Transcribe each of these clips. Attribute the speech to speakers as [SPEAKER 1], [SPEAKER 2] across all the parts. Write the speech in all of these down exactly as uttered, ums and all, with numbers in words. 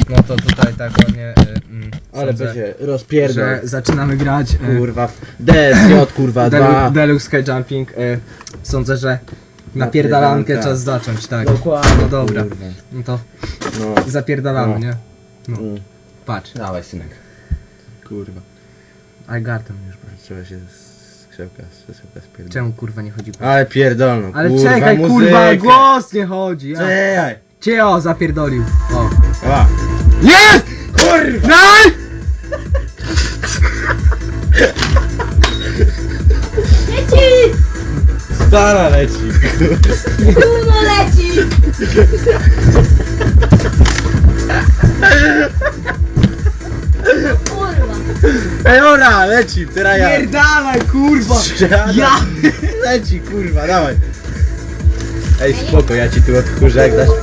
[SPEAKER 1] No to tutaj tak ładnie... Y, mm,
[SPEAKER 2] Ale
[SPEAKER 1] sądzę,
[SPEAKER 2] będzie rozpierdol.
[SPEAKER 1] że zaczynamy grać... Y,
[SPEAKER 2] Kurwa. D S J kurwa dwa.
[SPEAKER 1] Deluxe Sky Jumping. Y, sądzę, że napierdalankę czas zacząć, tak.
[SPEAKER 2] Dokładnie.
[SPEAKER 1] No dobra.
[SPEAKER 2] Kurwa.
[SPEAKER 1] No to
[SPEAKER 2] No.
[SPEAKER 1] zapierdalamy,
[SPEAKER 2] No.
[SPEAKER 1] nie? No.
[SPEAKER 2] Mm.
[SPEAKER 1] Patrz.
[SPEAKER 2] Dawaj synek. Kurwa.
[SPEAKER 1] I got them już.
[SPEAKER 2] Trzeba się z krzełka, z krzełka spierdolić.
[SPEAKER 1] Czemu kurwa nie chodzi po...
[SPEAKER 2] Ale pierdolno,
[SPEAKER 1] Ale
[SPEAKER 2] kurwa,
[SPEAKER 1] czekaj,
[SPEAKER 2] muzykę.
[SPEAKER 1] kurwa, głos nie chodzi. Ja.
[SPEAKER 2] Czekaj.
[SPEAKER 1] Cię o, zapierdolił. O.
[SPEAKER 2] O.
[SPEAKER 1] Jest!
[SPEAKER 2] Kurwa!
[SPEAKER 1] Naj!
[SPEAKER 3] Leci!
[SPEAKER 2] Stara leci.
[SPEAKER 3] Uno leci! Kurwa!
[SPEAKER 2] Ej, ora, leci, teraz ja.
[SPEAKER 1] Pierdalaj, kurwa!
[SPEAKER 2] Strzelam.
[SPEAKER 1] Ja!
[SPEAKER 2] Leci, kurwa, dawaj. Ej, spoko, ja ci tu odkurzę, jak dasz.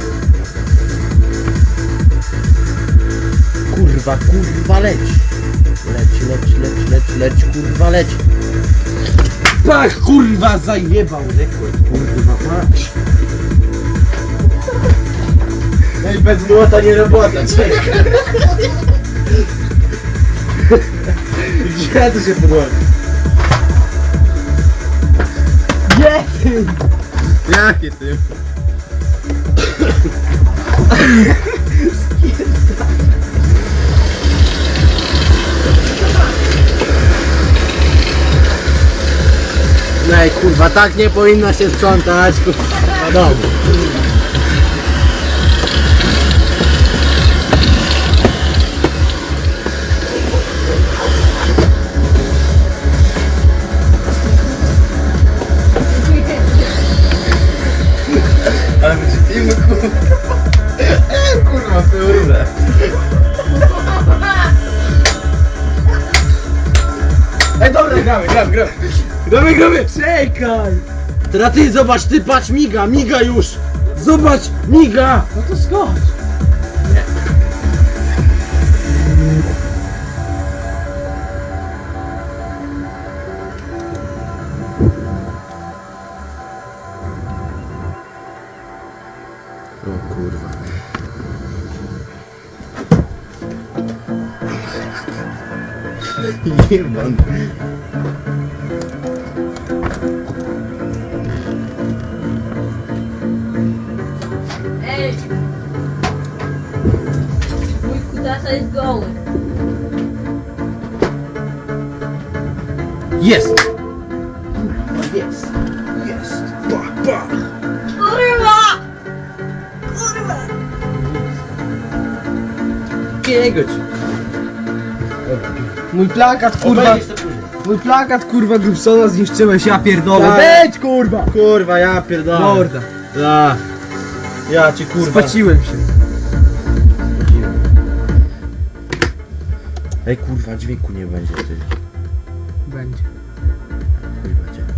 [SPEAKER 2] Kurwa, kurwa, leci. Leci, leci, leci, leci, leci, kurwa, leci. Pach, kurwa, zajebał rekord, kurwa, mać. Ej, bez młota nie robota, czekaj. Gdzie to się podłoży?
[SPEAKER 1] Jest!
[SPEAKER 2] Jakie ty? Ej, kurwa, tak nie powinno się sprzątać, kurwa, na domu. Ale będzie filmy, kurwa. Kurwa, kurde. Ej, dobra, gramy, gramy, gramy. Gramy, gramy.
[SPEAKER 1] Czekaj!
[SPEAKER 2] Teraz ty zobacz, ty patrz, miga, miga już. Zobacz, miga.
[SPEAKER 1] No to skocz!
[SPEAKER 2] Nie. O kurwa. Jebany.
[SPEAKER 3] Ej! Mój kutasa jest goły.
[SPEAKER 2] Jest! Jest! Jest! Pach, pach!
[SPEAKER 3] Kurwa! Kurwa!
[SPEAKER 2] Kiego ci?
[SPEAKER 1] Mój plakat, kurwa!
[SPEAKER 2] Obejrzysz to później.
[SPEAKER 1] Mój plakat, kurwa, Grubsona zniszczyłeś, ja pierdolę!
[SPEAKER 2] Tak.
[SPEAKER 1] Wejdź, kurwa!
[SPEAKER 2] Kurwa, ja pierdolę.
[SPEAKER 1] Morda!
[SPEAKER 2] Ja. Ja ci kurwa.
[SPEAKER 1] Spaciłem się.
[SPEAKER 2] Ej kurwa, dźwięku nie będzie ty.
[SPEAKER 1] Będzie.
[SPEAKER 2] Kurwa cię.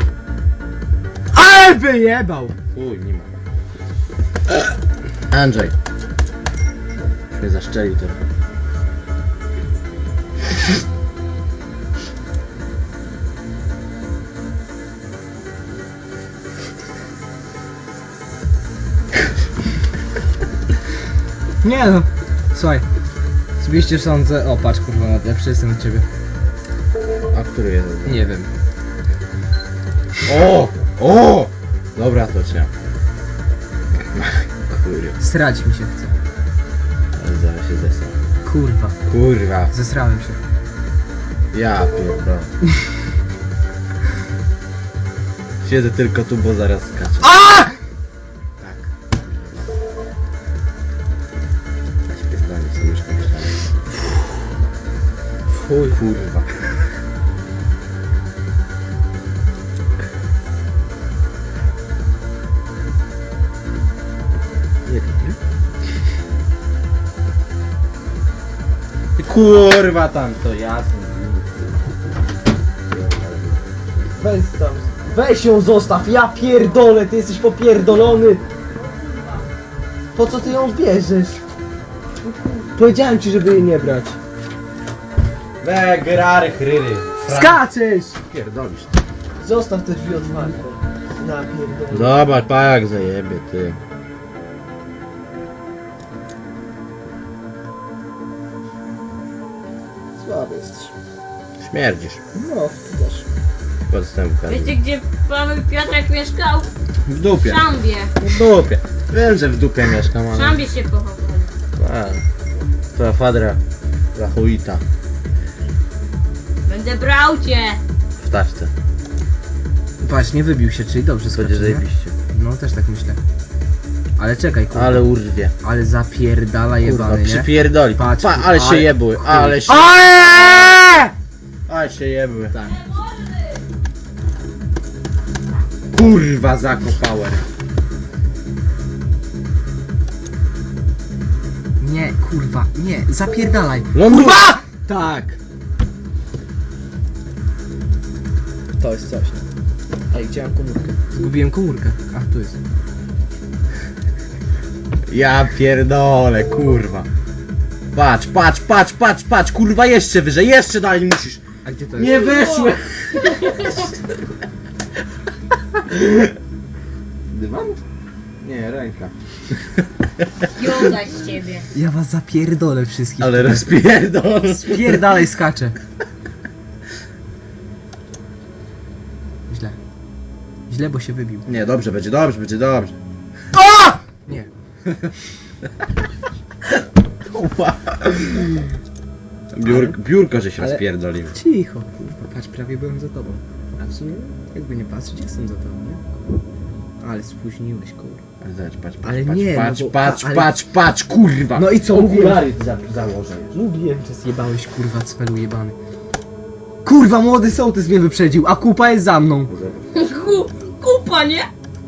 [SPEAKER 1] Ale wyjebał!
[SPEAKER 2] Chuj, nie ma. Andrzej. Już mnie zaszczelił trochę.
[SPEAKER 1] Nie no. Słuchaj. Zbliżcie sądzę. O, patrz, kurwa, lepszy jestem od ciebie.
[SPEAKER 2] A który jest?
[SPEAKER 1] Nie wiem.
[SPEAKER 2] O! O! Dobra, to cię. Kurwa.
[SPEAKER 1] Srać mi się chce.
[SPEAKER 2] Ale zaraz się zesram.
[SPEAKER 1] Kurwa.
[SPEAKER 2] Kurwa.
[SPEAKER 1] Zesrałem się.
[SPEAKER 2] Ja pierdolę. Siedzę tylko tu, bo zaraz skaczę.
[SPEAKER 1] A!
[SPEAKER 2] Tak. Ja się pierdolę, sobie już pomyślałem. Fuj, kurwa. Nie dobry. Ty kurwa tam to jasne.
[SPEAKER 1] Weź tam. Weź ją zostaw, ja pierdolę, ty jesteś popierdolony. Po co ty ją bierzesz? Powiedziałem ci, żeby jej nie brać.
[SPEAKER 2] We grary chryry.
[SPEAKER 1] Skaczesz!
[SPEAKER 2] Pierdolisz.
[SPEAKER 1] Zostaw te drzwi otwarte. Ja pierdolę.
[SPEAKER 2] Zobacz, pa jak zajebie ty.
[SPEAKER 1] Słaby jesteś.
[SPEAKER 2] Śmierdzisz.
[SPEAKER 1] No, ty też.
[SPEAKER 2] Podstępka.
[SPEAKER 3] Wiecie gdzie Paweł Piotrek mieszkał?
[SPEAKER 2] W
[SPEAKER 3] W
[SPEAKER 2] dupie.
[SPEAKER 3] Szambie.
[SPEAKER 2] W dupie. Wiem, że w dupie mieszkam,
[SPEAKER 3] W
[SPEAKER 2] ale...
[SPEAKER 3] Szambie się pochowali.
[SPEAKER 2] A, twoja fadra. Zachuita.
[SPEAKER 3] Będę brał cię.
[SPEAKER 2] W taczce.
[SPEAKER 1] Patrz, nie wybił się, czyli dobrze
[SPEAKER 2] Będzie
[SPEAKER 1] skoczy, nie?
[SPEAKER 2] zajebiście.
[SPEAKER 1] No, też tak myślę. Ale czekaj, kurwa.
[SPEAKER 2] Ale urwie.
[SPEAKER 1] Ale zapierdala
[SPEAKER 2] Kurwa,
[SPEAKER 1] jebany, nie?
[SPEAKER 2] przypierdoli.
[SPEAKER 1] Patrz,
[SPEAKER 2] Pa, ale się
[SPEAKER 1] ale-
[SPEAKER 2] jebły, ale się...
[SPEAKER 1] Aaaa!
[SPEAKER 2] Ale się jebły.
[SPEAKER 1] Tak.
[SPEAKER 2] Kurwa, zakopałem.
[SPEAKER 1] Nie, kurwa, nie, zapierdalaj.
[SPEAKER 2] Ląduj!
[SPEAKER 1] Kurwa!
[SPEAKER 2] Tak.
[SPEAKER 1] To jest coś. Ej, gdzie mam komórkę? Zgubiłem komórkę. A, tu jest.
[SPEAKER 2] Ja pierdolę, kurwa. Patrz, patrz, patrz, patrz, patrz, kurwa, jeszcze wyżej, jeszcze dalej musisz.
[SPEAKER 1] A gdzie to jest?
[SPEAKER 2] Nie weszłem. Dywan? Nie, ręka.
[SPEAKER 3] Joda z ciebie.
[SPEAKER 1] Ja was zapierdolę wszystkich.
[SPEAKER 2] Ale rozpierdol.
[SPEAKER 1] Spierdalaj, skaczę. Źle. Źle, bo się wybił.
[SPEAKER 2] Nie, dobrze, będzie dobrze, będzie dobrze.
[SPEAKER 1] Nie.
[SPEAKER 2] Kurwa. Biur, biurko, że się
[SPEAKER 1] Ale-
[SPEAKER 2] rozpierdolił.
[SPEAKER 1] Cicho, kurwa, patrz, prawie byłem za tobą. A w sumie, jakby nie patrzeć, jestem za tobą, nie? Ale spóźniłeś, kurwa.
[SPEAKER 2] Ale zobacz, patrz, patrz,
[SPEAKER 1] Ale
[SPEAKER 2] patrz,
[SPEAKER 1] nie, no
[SPEAKER 2] patrz,
[SPEAKER 1] bo-
[SPEAKER 2] patrz,
[SPEAKER 1] ale-
[SPEAKER 2] patrz, patrz, kurwa.
[SPEAKER 1] No i co,
[SPEAKER 2] Okulary za, założę już.
[SPEAKER 1] Mówiłem, że zjebałeś, kurwa, cwelu jebany. Kurwa, młody sołtys mnie wyprzedził, a kupa jest za mną.
[SPEAKER 3] Ku, kupa, nie?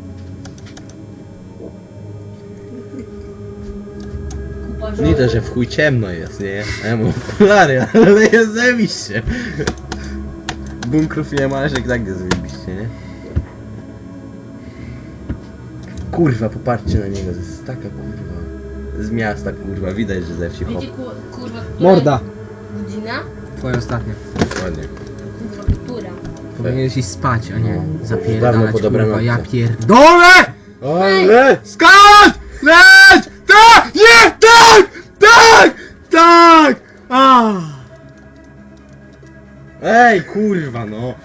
[SPEAKER 3] Kupa
[SPEAKER 2] Nie to, że w chuj ciemno jest, nie? A ja mam okulary, ale jest zajebiście. Bunkrów nie ma, ale że i tak jest zajebiście, nie? Kurwa, popatrzcie na niego, to jest taka kurwa. Z miasta kurwa, widać, że ze wsi hop.
[SPEAKER 3] Wiecie ku, kurwa, która
[SPEAKER 1] Morda.
[SPEAKER 3] godzina?
[SPEAKER 1] Twoja ostatnia.
[SPEAKER 2] Dokładnie.
[SPEAKER 3] Kurwa, która?
[SPEAKER 1] Powinieneś iść spać, a nie
[SPEAKER 2] No. Dawno
[SPEAKER 1] zapierdalać,
[SPEAKER 2] po
[SPEAKER 1] kurwa,
[SPEAKER 2] dobranocce.
[SPEAKER 1] ja pierdolę!
[SPEAKER 2] Ale!
[SPEAKER 1] Skacz! Leć! Tak! Nie! Tak! Tak! Tak! A!
[SPEAKER 2] Ej, kurwa, no!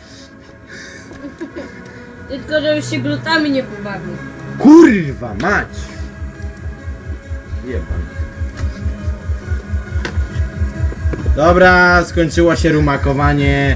[SPEAKER 3] Tylko żebyś się glutami nie pobawił.
[SPEAKER 2] Kurwa, mać! Jebam. Dobra, skończyło się rumakowanie.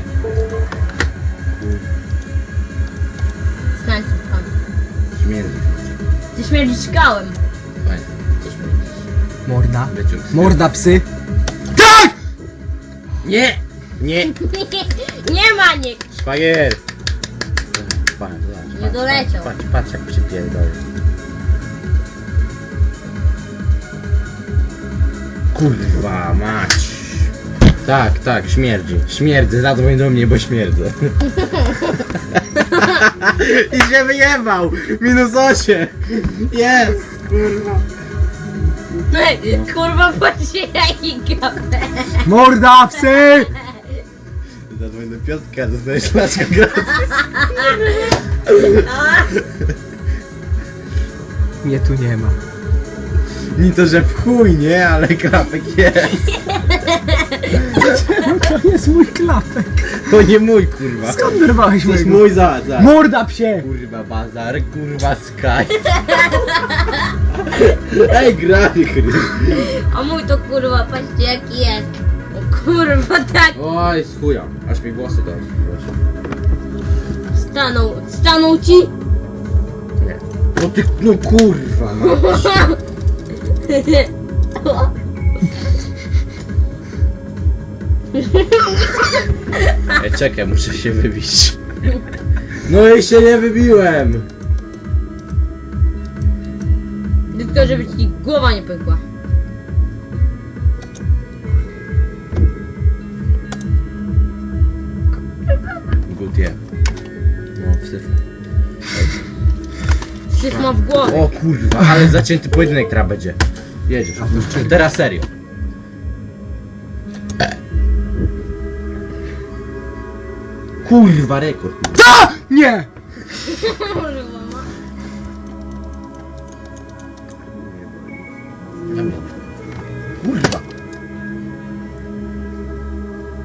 [SPEAKER 3] Stań tam.
[SPEAKER 2] Śmierdzi.
[SPEAKER 3] Ty śmierdzisz kałem.
[SPEAKER 2] Fajnie.
[SPEAKER 3] Ty śmierdzisz.
[SPEAKER 1] Morda.
[SPEAKER 2] Wyciąg.
[SPEAKER 1] Morda, psy. Tak!
[SPEAKER 2] Nie! Nie!
[SPEAKER 3] Nie ma nikt.
[SPEAKER 2] Szwagier! Patrz, patrz,
[SPEAKER 3] Nie
[SPEAKER 2] patrz,
[SPEAKER 3] doleciał.
[SPEAKER 2] Patrz, patrz, jak przypierdolę. Kurwa, mać! Tak, tak, śmierdzi. Śmierdzę, zadzwoń do mnie, bo śmierdzę. I się wyjebał! Minus osiem! Jest! Kurwa.
[SPEAKER 3] Ej, kurwa, patrzcie jaki gapę.
[SPEAKER 1] Morda, psy!
[SPEAKER 2] Zadzwoń do Piotrka, dostajesz flaszkę gratis.
[SPEAKER 1] Mnie tu nie ma.
[SPEAKER 2] Nie to, że w chuj, nie? Ale klapek jest.
[SPEAKER 1] To jest mój klapek.
[SPEAKER 2] To nie mój, kurwa.
[SPEAKER 1] Skąd wyrwałeś
[SPEAKER 2] To jest
[SPEAKER 1] mojego?
[SPEAKER 2] mój za, za.
[SPEAKER 1] Morda, psie!
[SPEAKER 2] Kurwa bazar, kurwa sky. Ej, grany chry.
[SPEAKER 3] A mój to kurwa, patrzcie jaki jest. O kurwa, tak.
[SPEAKER 2] Oj, z chuja. Aż mi włosy to
[SPEAKER 3] Stanął, stanął ci?
[SPEAKER 2] Nie. No ty, no kurwa, no. Ej, czekaj, muszę się wybić. No i się nie wybiłem.
[SPEAKER 3] Tylko żeby ci głowa nie pękła.
[SPEAKER 2] Good, yeah. No, wsyf.
[SPEAKER 3] Syf ma w głowie.
[SPEAKER 2] O kurwa, ale zacięty pojedynek teraz będzie. Jedziesz. Teraz serio. Kurwa, rekord.
[SPEAKER 1] Ta! Nie!
[SPEAKER 3] Kurwa, ma.
[SPEAKER 2] Kurwa.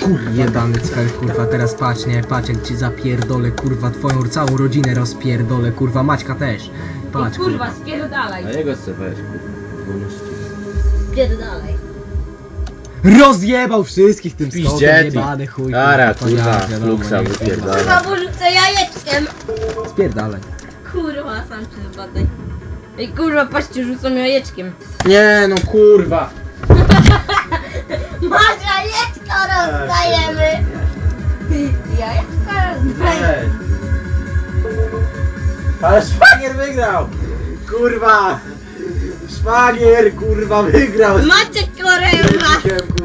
[SPEAKER 1] Kurwa. Jebany cfel, kurwa, teraz patrz, nie, patrz jak ci zapierdolę, kurwa, twoją całą rodzinę rozpierdolę, kurwa, Maćka też. Patrz,
[SPEAKER 3] I kurwa, spierdalaj.
[SPEAKER 2] A jego chce weź, kurwa. Wolności.
[SPEAKER 3] Spierdalaj.
[SPEAKER 1] Rozjebał wszystkich tym
[SPEAKER 2] Piździe
[SPEAKER 1] skokiem,
[SPEAKER 2] ty.
[SPEAKER 1] jebany chuj.
[SPEAKER 2] Ara,
[SPEAKER 1] kurwa,
[SPEAKER 2] kurwa,
[SPEAKER 1] ja wiadomo,
[SPEAKER 2] fluksa
[SPEAKER 1] nie,
[SPEAKER 2] wypierdala.
[SPEAKER 3] Kurwa, bo rzucę jajeczkiem.
[SPEAKER 1] Spierdalaj.
[SPEAKER 3] Kurwa, sam się zbadaj. Ej, kurwa, patrzcie, rzucam jajeczkiem.
[SPEAKER 2] Nie no kurwa.
[SPEAKER 3] Masz jajeczko rozdajemy. Jajeczko rozdajemy.
[SPEAKER 2] Ale szwagier wygrał! Kurwa! Szwagier kurwa wygrał!
[SPEAKER 3] Macie korema.
[SPEAKER 2] Kurwa,